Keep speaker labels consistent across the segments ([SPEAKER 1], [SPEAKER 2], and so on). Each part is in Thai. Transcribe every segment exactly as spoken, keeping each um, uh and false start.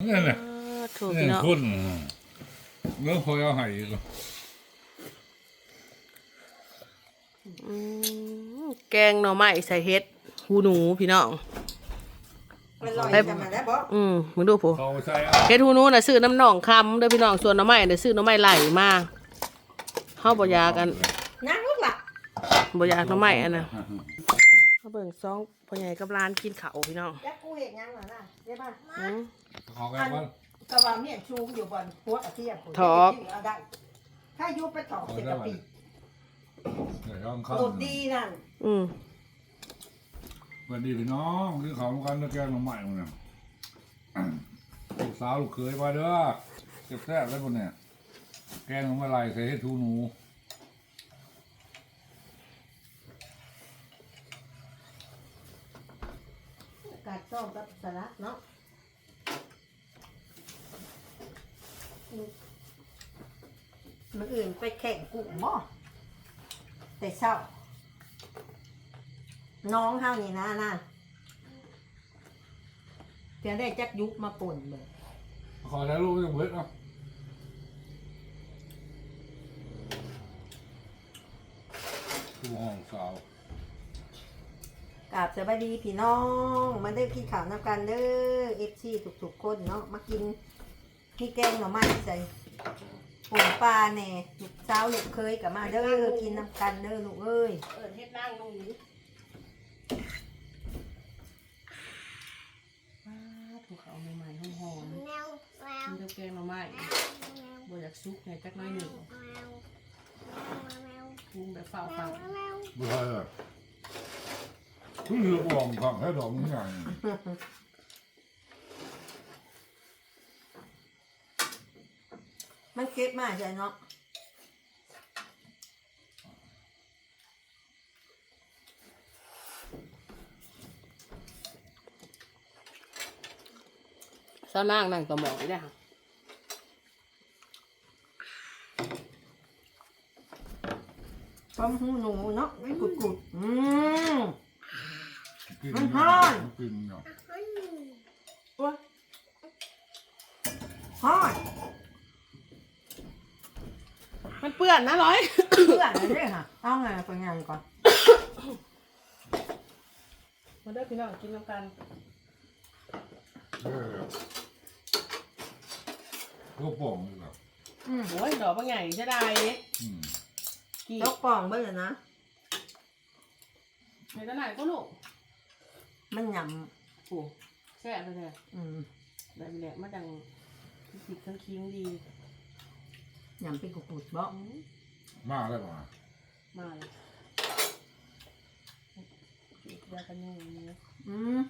[SPEAKER 1] นี่แหละ
[SPEAKER 2] ถูก
[SPEAKER 1] นี่
[SPEAKER 2] เนาะ
[SPEAKER 1] คนเมื่อพอเอาให้ก็
[SPEAKER 2] แกงหน่อไม้ใส่เห็ดหูหนูพี่น้อง
[SPEAKER 3] มันลอยกันมาแล้วบ่
[SPEAKER 2] อืมมึงดูผู้
[SPEAKER 1] เขาใส่
[SPEAKER 2] เฮ็ดหูหนูน่ะซื้อน้ำหนองคำเด้อพี่น้องส่วนหน่อไม้น่ะซื้อหน่อไม้ไหลมาเฮาบ่อยากกัน
[SPEAKER 3] นั่งลูกหล่ะ
[SPEAKER 2] บ่อยากหน่อไม้อันน่ะเฮาเบิ่งซองพ่อใหญ่กับหลานกินข้าวพี่น้อง
[SPEAKER 3] แล้วกูเห็นยังล่ะนะใช่ป่ะ
[SPEAKER 2] อืม
[SPEAKER 1] เขาแก้ว่า
[SPEAKER 3] กระว่าเมียนชูอยู่บนหัวกระเทียมผม
[SPEAKER 2] ถอก
[SPEAKER 3] เอาได้ถ้ายุบไปถอกเสร็จกะปิ
[SPEAKER 1] เดี๋ยวต้องเข้า
[SPEAKER 3] สดดีนั่น
[SPEAKER 2] อืม
[SPEAKER 1] สวัสดีพี่น้องคือเขากันแล้วแกงมาใหม่หมดเนี่ยลูกสาวลูกเคยมาเด้อเจ็บแซ่บแล้วคนเนี่ยแกงมาลายใส่ให้ทูหนู
[SPEAKER 3] กัดส้มกับสลัดเนาะมันอื่นไปแข่งกุ้งบ่แต่เศร้าน้องเท่านี้นะน่ะเพียงได้จักยุบมาป่นเลย
[SPEAKER 1] ขอถ่ายรูปไม่ต้องเบิดเนาะทูห้องสาว
[SPEAKER 3] กราบสวัสดีพี่น้องมาเด้อกินข้าวน้ำกันเด้อเอฟซีทุกๆคนเนาะมากินพี่แกงหน่อไม้ใส่ป่นปลาแหน่ลูกสาวลูกเคยกับมาเด้อกินน้ำกันเด้อลูกเอ้ย
[SPEAKER 2] เอิ้นเฮ็ดนางลงนี้ถูกเขาใหม่ๆหอมๆมีแต่แกงหน่อไม้บ่อยากซุกไงจักหน้อยหนึ่งปรุงแบบเฝ้าฟัง
[SPEAKER 1] ไม่ใช่เลยคือเรืออ่องขังให้ดอกมันใหญ่
[SPEAKER 3] มันเก็บมาใช่เนาะ
[SPEAKER 2] เจ้านางนั่งต่อหมออีกแล้ว
[SPEAKER 3] ต้มหูหนูเนาะไม่กุดกุดๆอืม
[SPEAKER 1] กิน
[SPEAKER 3] มันฮ้อน
[SPEAKER 1] กินเนาะ
[SPEAKER 3] โอ้ยฮอด
[SPEAKER 2] มันเปื้อนนะร้อย
[SPEAKER 3] เพื่อนเลยค่ะเอาไงไปงานก่อน
[SPEAKER 2] มาเด้อพี่น้องกินน้ำกัน
[SPEAKER 1] เออก็ป่องเลยแบบ
[SPEAKER 3] อืม
[SPEAKER 2] โอ้ยดอกบางใหญ่จะได้
[SPEAKER 1] อืม
[SPEAKER 2] กี่
[SPEAKER 3] ยกป่องไปเลยนะ
[SPEAKER 2] ในตลาดก็ลูก
[SPEAKER 3] มันหย
[SPEAKER 2] โอ้แซ่บไปเลย
[SPEAKER 3] ำอืม
[SPEAKER 2] แบบนี้แหละมันดังผิดทั้งคิงดี
[SPEAKER 3] หยำเป็นกุดกุดๆบ่
[SPEAKER 2] อืม
[SPEAKER 1] มาแล้วป่ะ
[SPEAKER 2] มาเลยจุดยากันยุงอย่างนี้
[SPEAKER 3] อืม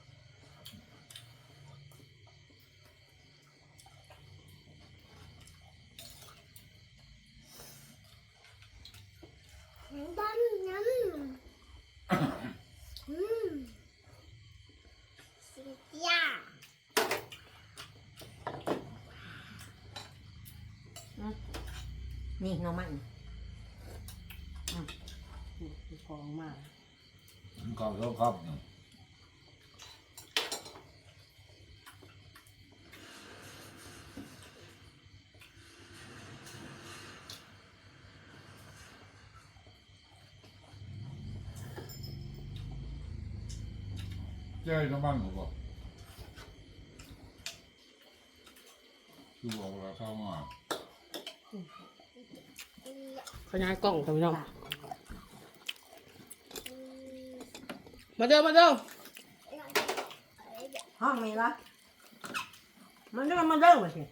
[SPEAKER 3] นี่หน้องมัน
[SPEAKER 2] มีของมา
[SPEAKER 1] มันก็ชอบครับเนี่ยเจ้าน้ำมันผมบอกคือบอกว่าเข้ามา
[SPEAKER 2] ขยายกล้องค่ะพี่น้องมาเด้อมาเด้อ
[SPEAKER 3] ห้องมีละมันเริ่มมาเริ่มมาสิ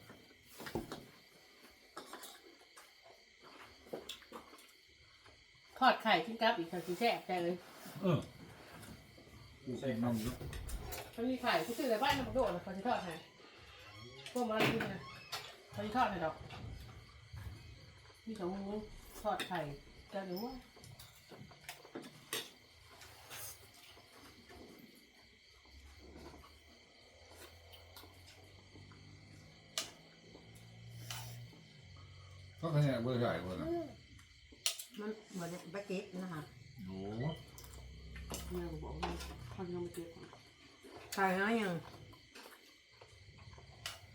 [SPEAKER 2] ทอดไข่กินกับอีกค่ะสีแซ่บใจเลย
[SPEAKER 1] เออกูใส่น้ำเยอะ
[SPEAKER 2] มันมีไข่กูซื้อในบ้านน้ำมันโดดเลยเขาจะทอดให้พวกมันกินนะเขาจะทอดให้ดอกมีสองมือทอดไข่จะหรือว่า
[SPEAKER 1] ก็แค่เบอร์ใหญ่คนน่ะ
[SPEAKER 3] มันเหมือนแบกเก็ตนะคะ
[SPEAKER 1] โอ้
[SPEAKER 2] แม่ก็บอกว่าเขาจะต้องไปเก็บของ
[SPEAKER 3] ใส่แล้วยัง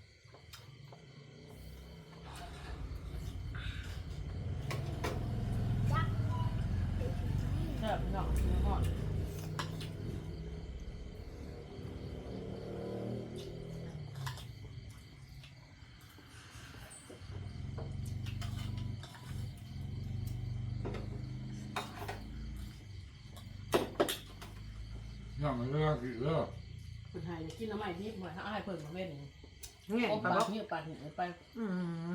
[SPEAKER 1] เรื่องกี่เรื่อง
[SPEAKER 2] คนไทยกินน้ำใหม่ที่เหมือนถ้าให้เพิ่มมาเว้น
[SPEAKER 3] เงี้ย
[SPEAKER 2] โอ้
[SPEAKER 3] ปลา
[SPEAKER 2] ปา
[SPEAKER 3] บอก
[SPEAKER 2] กนี่ปากหินไป
[SPEAKER 3] อืม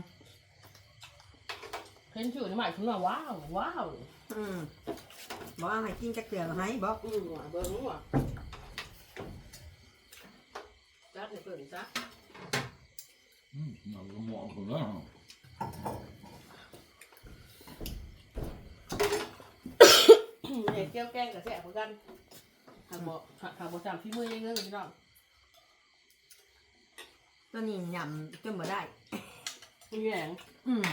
[SPEAKER 2] เห็นชื่อน้ำใหม่คุณว่าว้าวว้าว
[SPEAKER 3] อืมบอกเอาให้กินจักเกลือให้บอก
[SPEAKER 2] อืมว่ะเบิ้งว่ะจัดให้เพิ่มจ้ะ
[SPEAKER 1] อืมมันก็เหมาะคนละ
[SPEAKER 2] เด็กแก้วแกงกับแซ่บเหมือนกันหากบอกหากบอกจำพี่มือยังเงื่อนพี่น้อง
[SPEAKER 3] ตัวนี้ยำจนบ่ได้
[SPEAKER 2] มีแหง
[SPEAKER 3] อืม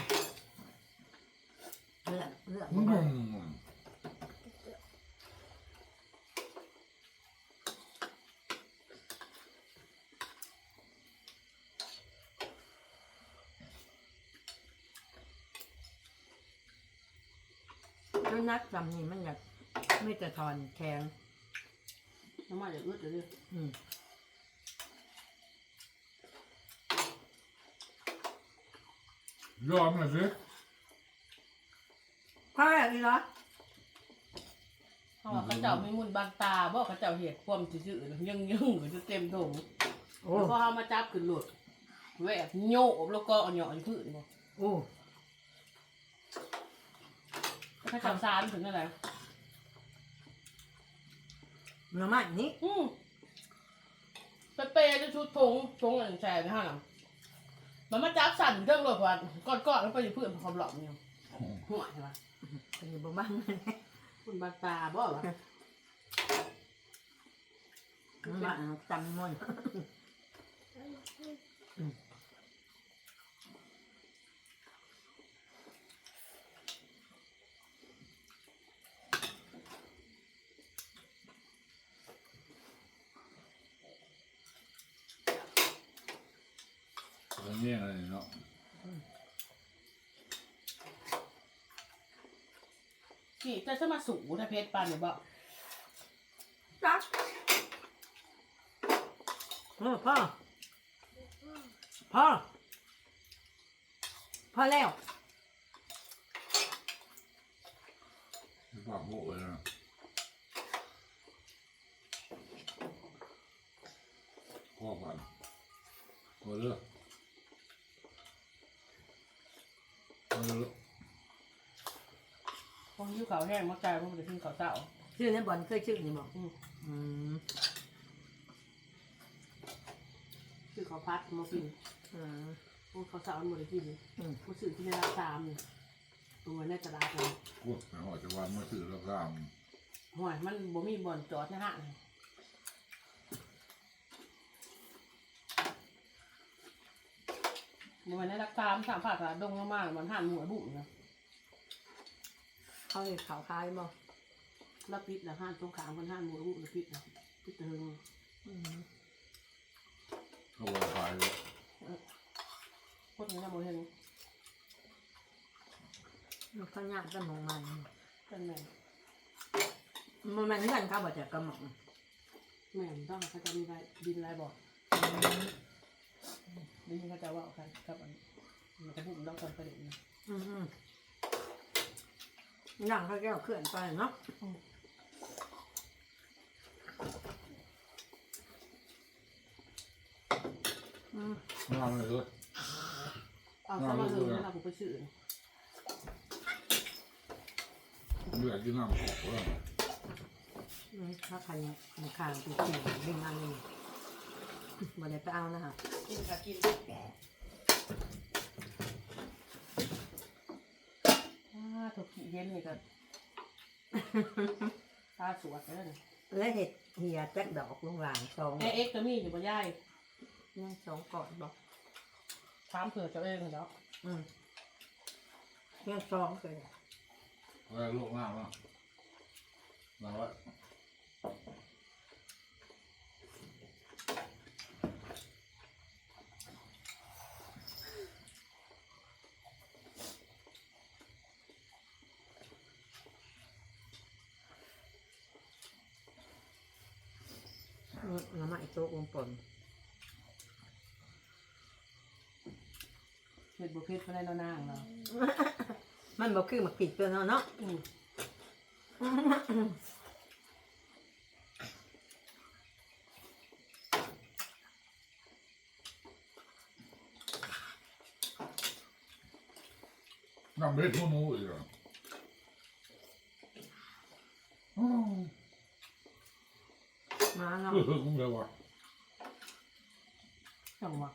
[SPEAKER 3] เลือกเลือก
[SPEAKER 1] อื
[SPEAKER 3] บ่ได้
[SPEAKER 1] ม
[SPEAKER 3] แล้วนักจำนี่มันอยากไม่จะทอนแข็ง
[SPEAKER 2] น้ำใหม่จะอึดเลย
[SPEAKER 3] อืม
[SPEAKER 1] ยอมหน่อยสิ
[SPEAKER 3] พ่ออยากกินเหรอ
[SPEAKER 2] เพราะว่าเขาเจ้ามีมุนบางตาบอกเขาเจ้าเห็ดความจืดๆยังยังก็จะเต็มถุง
[SPEAKER 3] โอ้
[SPEAKER 2] แล้วพอเอามาจับขึ้นหลุดแหวกโยกแล้วก็เอาหยอดพื้นบ่
[SPEAKER 3] โอ้
[SPEAKER 2] เขาจับซานถึงอะไร
[SPEAKER 3] หน่อไม้นี่
[SPEAKER 2] อืมไปเปย์จะชุดทงทงอันแชร์ไปห้าหลังมันมาจับสั่นเครื่องรถว่าก้อนๆแล้วไปอยู่พื้นความหลอกเนี่ยหัวใช่ปะ
[SPEAKER 3] เป็นอยู่บ่บ้าง
[SPEAKER 2] คุณบางตาบอกว่า
[SPEAKER 3] มาจำมัน
[SPEAKER 1] แล้วเนี่ยอะไรเนาะ
[SPEAKER 2] พี่จะจะมาสูถ้าเพชรปันเนี่ยบอก
[SPEAKER 3] จักโอ้พ่อพ่อพ่อแล้ว
[SPEAKER 1] ปากโบ้เลยนะพ่อก่อนพอเลือกพอเลือก
[SPEAKER 2] พอยิ้วขาวแห้งมากลายเพราะมันจะขึ้นขาวเต่า
[SPEAKER 3] ชื่อในบอลเคยชื่อนี่บอก
[SPEAKER 2] อืม
[SPEAKER 3] อืม
[SPEAKER 2] คือขาวพัดมากิน
[SPEAKER 3] อืม
[SPEAKER 2] พวกขาวเต่ามันหมดเลยกิน
[SPEAKER 3] อืม
[SPEAKER 2] ผู้สื่อที่ในราคามเนี่ยตัวในตลาดเลย
[SPEAKER 1] พวกหอยจะวางมาสื่อแล้วก็
[SPEAKER 2] ห่วยมันบ่มีบ่อนจอดนะฮะมันในราคามสามภาคดงมากๆมันห่านหมูบุ๋มนะ
[SPEAKER 3] เขาเห็นขาวคล้ายบอก
[SPEAKER 2] แล้วปิดแล้วห่านตรงขามมันห่านหมูบุ๋มแล้วปิดนะปิดเถิง
[SPEAKER 3] อืม
[SPEAKER 1] เขาบอกขายเลย
[SPEAKER 2] โคตรนี้นะโมเห็น
[SPEAKER 3] มันเขาหยาดกันมองมัน
[SPEAKER 2] เป็นแม่
[SPEAKER 3] มันมันกันเขาบอกจะกระหม่อม
[SPEAKER 2] แม่ต้องเขาจะมีไรดินไรบอกดินเขาจะว่ากันครับอันมันจะบุ๋มต้องการประเด็นนะ
[SPEAKER 3] อืมอืมหนังเขาแก้วเคลื่อนไปเนาะอืม
[SPEAKER 1] งานเลยเลย
[SPEAKER 2] เอาเข้ามาเลยแล้วเราไปซื้อ
[SPEAKER 1] เลือดกินน้ำออกแล้ว
[SPEAKER 3] อืมถ้าใครมีข่าวติดเสียงดึงอันนี้บ่ได้ไปเอานะคะ
[SPEAKER 2] กินค่ะกินอ่าถูกขี้เย็นนี่ก็ตาสวดเลย
[SPEAKER 3] และเห็ดเหียแจ็คดอกลงหลางสอง
[SPEAKER 2] แม่เอ็กซ์ก็มีอยู่บนย่าย
[SPEAKER 3] ยังสองก่อนบอก
[SPEAKER 2] ถามเผื่อเจ้าเองเนาะ
[SPEAKER 3] อืมยังสองเลย
[SPEAKER 1] แล้วลูกน้ำอ่ะแล้วว่า
[SPEAKER 3] อืมน้ำมันโต๊ะวงปน
[SPEAKER 2] เห็ดบุเพชรไม่ได้นานๆเนาะ
[SPEAKER 3] มันบอกคือหมักผิดตัวเนาะเนาะ
[SPEAKER 2] อืม
[SPEAKER 1] น้ำเบ็ดหัวหนูอีกอ่ะอ้าว
[SPEAKER 3] มาเนาะ
[SPEAKER 1] เออคุ้มเลยว่ะ
[SPEAKER 2] จังหวะ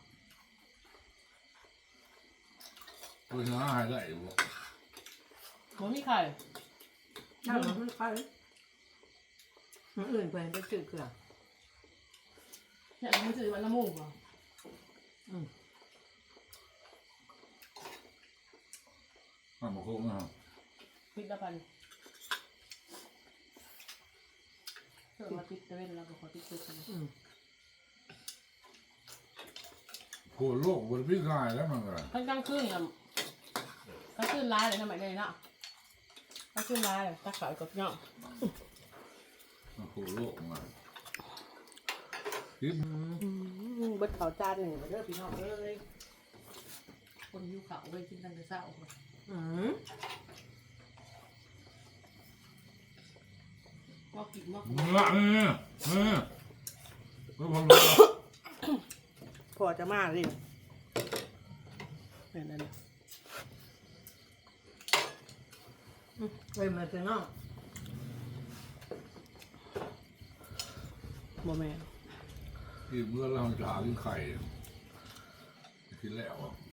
[SPEAKER 1] ตัวชนะหายได้อยู่บ่
[SPEAKER 2] มันมีไข่
[SPEAKER 3] นั่งมันไม่ค่อยมันอื่นเพิ่นไปจืดเกลือ
[SPEAKER 2] เนี่ยมันจืดมันละมุนกว่า
[SPEAKER 3] อืม
[SPEAKER 1] น้ำมันคุ้มนะครับ
[SPEAKER 2] พริกละพันเชื่อมาพริกตะเวนเราก็ขอพริกพริกกันนะ
[SPEAKER 3] อืม
[SPEAKER 1] โคตรโลกบนพี่กายแล้วมันก็
[SPEAKER 2] ทั้งกลางคืนอ่ะกลางคืนร้ายเลยทำไมเลยเนาะกลางคืนร้ายเลยตาขาวกับเนาะ
[SPEAKER 1] มันโคตรโลกมาคลิป
[SPEAKER 2] เบิดเขาจานหนึ่งเด้อพี่น้องเอ้ยคนหิวเขาเลยกินตั้งแต่เช้า
[SPEAKER 3] อืม
[SPEAKER 2] มากินมา
[SPEAKER 1] เมื่อเนี่ยเนี่ยก็พอรู้
[SPEAKER 2] พอจะมาเลยเนี่ยนั่นน่ะ
[SPEAKER 3] อืมเฮ้ยมาเถอะเนาะ
[SPEAKER 2] โมแม่น
[SPEAKER 1] ที่เมื่อเราจะหากินไข่กินแล้วอ่ะ